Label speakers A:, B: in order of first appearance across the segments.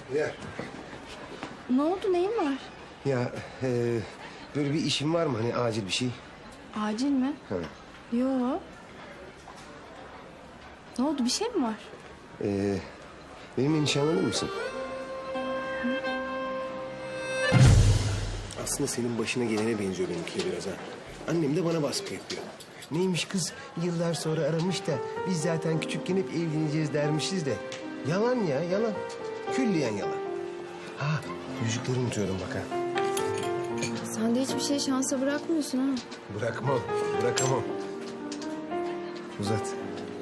A: Ya,
B: Ne oldu, neyin var?
A: ya böyle bir işin var mı hani acil bir şey?
B: Acil mi?
A: Ha.
B: Yo. Ne oldu, bir şey mi var?
A: Benimle nişanlanır mısın? Aslında senin başına gelene benziyor benimki biraz ha. Annem de bana baskı yapıyor. Neymiş kız yıllar sonra aramış da biz zaten küçükken hep evleneceğiz dermişiz de. Yalan ya yalan. Külliyen yalan. Ha yüzükleri unutuyordum bak ha.
B: Sen de hiçbir şey şansa bırakmıyorsun ha.
A: Bırakmam, bırakamam. Uzat.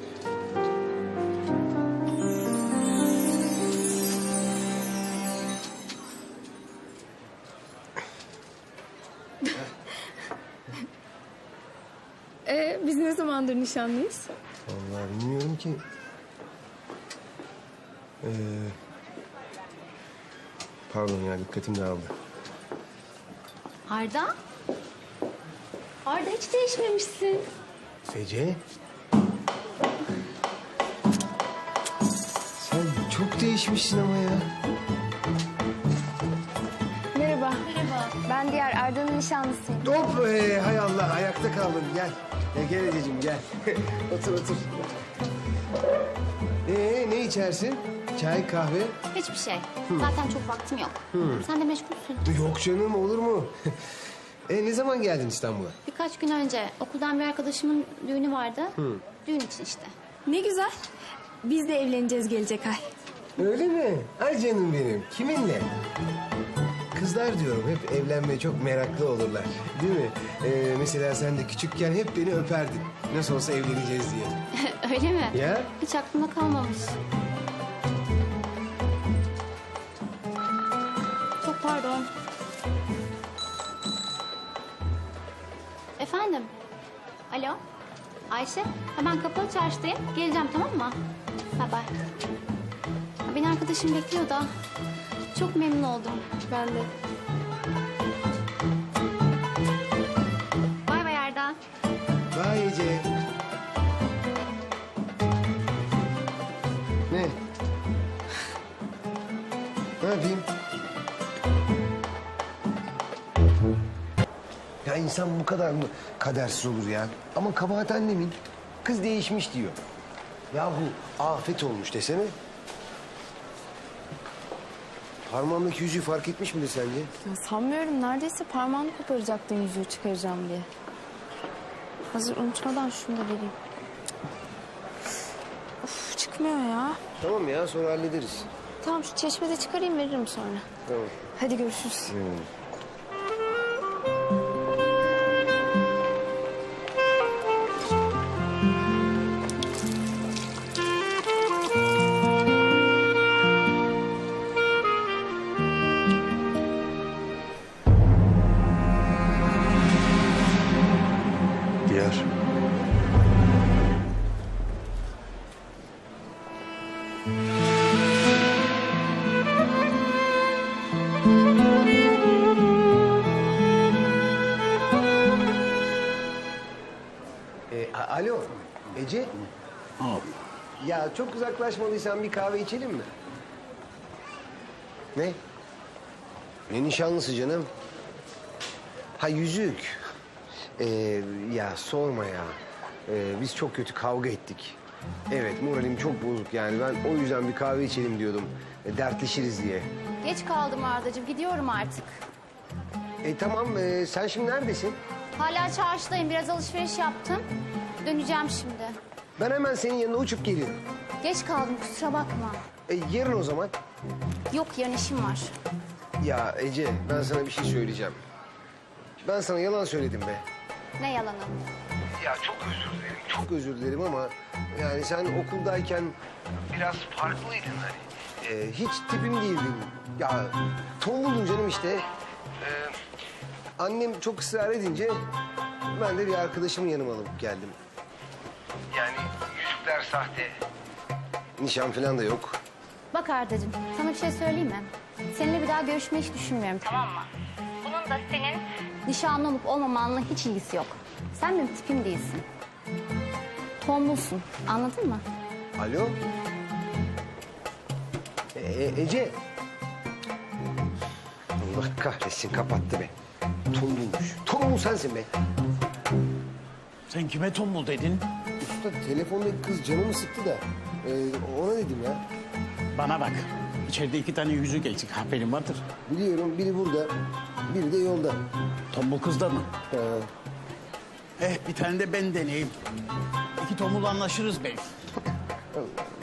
B: Biz ne zamandır nişanlıyız?
A: Vallahi bilmiyorum ki. Pardon ya dikkatim dağıldı.
B: Arda? Arda hiç değişmemişsin.
A: Ece. Sen çok değişmişsin ama ya.
B: Merhaba.
C: Ben diğer Arda'nın nişanlısıyım.
A: Hop hay Allah ayakta kaldın gel. Gel Ececiğim gel. Otur otur. Ne içersin? Çay, kahve?
C: Hiçbir şey. Zaten çok vaktim yok. Sen de meşgulsün.
A: Yok canım olur mu? Ne zaman geldin İstanbul'a?
C: Birkaç gün önce okuldan bir arkadaşımın düğünü vardı. Düğün için işte.
B: Ne güzel. Biz de evleneceğiz gelecek ay.
A: Öyle mi? Ay canım benim. Kiminle? Kızlar diyorum hep evlenmeye çok meraklı olurlar. Değil mi? Mesela sen de küçükken hep beni öperdin. Nasıl olsa evleneceğiz diye.
C: Öyle mi?
A: Ya?
C: Hiç aklıma kalmamış. Çok pardon. Efendim? Alo? Ayşe? Ha, ben Kapalı Çarşı'dayım. Geleceğim, tamam mı? Bye bye. Ha, beni arkadaşım bekliyor da. Çok memnun oldum.
B: Ben de.
C: Bay bay Erda.
A: Vay Ece. Ne? Ne yapayım? Ya insan bu kadar mı kadersiz olur ya? Ama kabahat annemin. Kız değişmiş diyor. Yahu afet olmuş desene. Parmağımdaki yüzüğü fark etmiş midir sence?
B: Ya sanmıyorum. Neredeyse parmağını koparacaktın yüzüğü çıkaracağım diye. Hazır unutmadan şunu da vereyim. Of, çıkmıyor ya.
A: Tamam ya sonra hallederiz.
B: Tamam, şu çeşmede çıkarayım, veririm sonra.
A: Tamam.
B: Hadi görüşürüz.
A: Diyar. Alo, Ece. Ya çok uzaklaşmadıysan bir kahve içelim mi? Ne? Ne nişanlısı canım? Ha yüzük. Ya sorma ya. Biz çok kötü kavga ettik. Evet moralim çok bozuk yani ben o yüzden bir kahve içelim diyordum. Dertleşiriz diye.
C: Geç kaldım Ardacığım. Gidiyorum artık.
A: Tamam sen şimdi neredesin?
C: Hala çarşıdayım. Biraz alışveriş yaptım. Döneceğim şimdi.
A: Ben hemen senin yanına uçup geliyorum.
C: Geç kaldım, kusura bakma.
A: Yarın o zaman.
C: Yok, yarın işim var.
A: Ya Ece ben sana bir şey söyleyeceğim. Ben sana yalan söyledim be.
C: Ne yalanı?
A: Ya çok özür dilerim. Çok özür dilerim ama yani sen okuldayken biraz farklıydın hani. Hiç tipim değildin. Ya tombuldun canım işte. Annem çok ısrar edince ben de bir arkadaşımı yanıma alıp geldim. Yani yüzükler sahte. Nişan falan da yok.
C: Bak Ardacığım, sana bir şey söyleyeyim mi? Seninle bir daha görüşmeyi hiç düşünmüyorum, tamam mı? Bunun da senin nişanlı olup olmamanla hiç ilgisi yok. Sen benim tipim değilsin. Tombulsun, anladın mı?
A: Alo? Ece Allah kahretsin kapattı be. Tombulmuş. Tombul sensin be.
D: Sen kime tombul dedin?
A: Usta telefondaki kız canımı sıktı da ona dedim ya.
D: Bana bak. İçeride 2 tane yüzük eksik. Haberin vardır.
A: Biliyorum biri burada, biri de yolda.
D: Tombul kızda mı?
A: Ee,
D: Bir tane de ben deneyeyim. 2 tombul anlaşırız belki.
A: Allah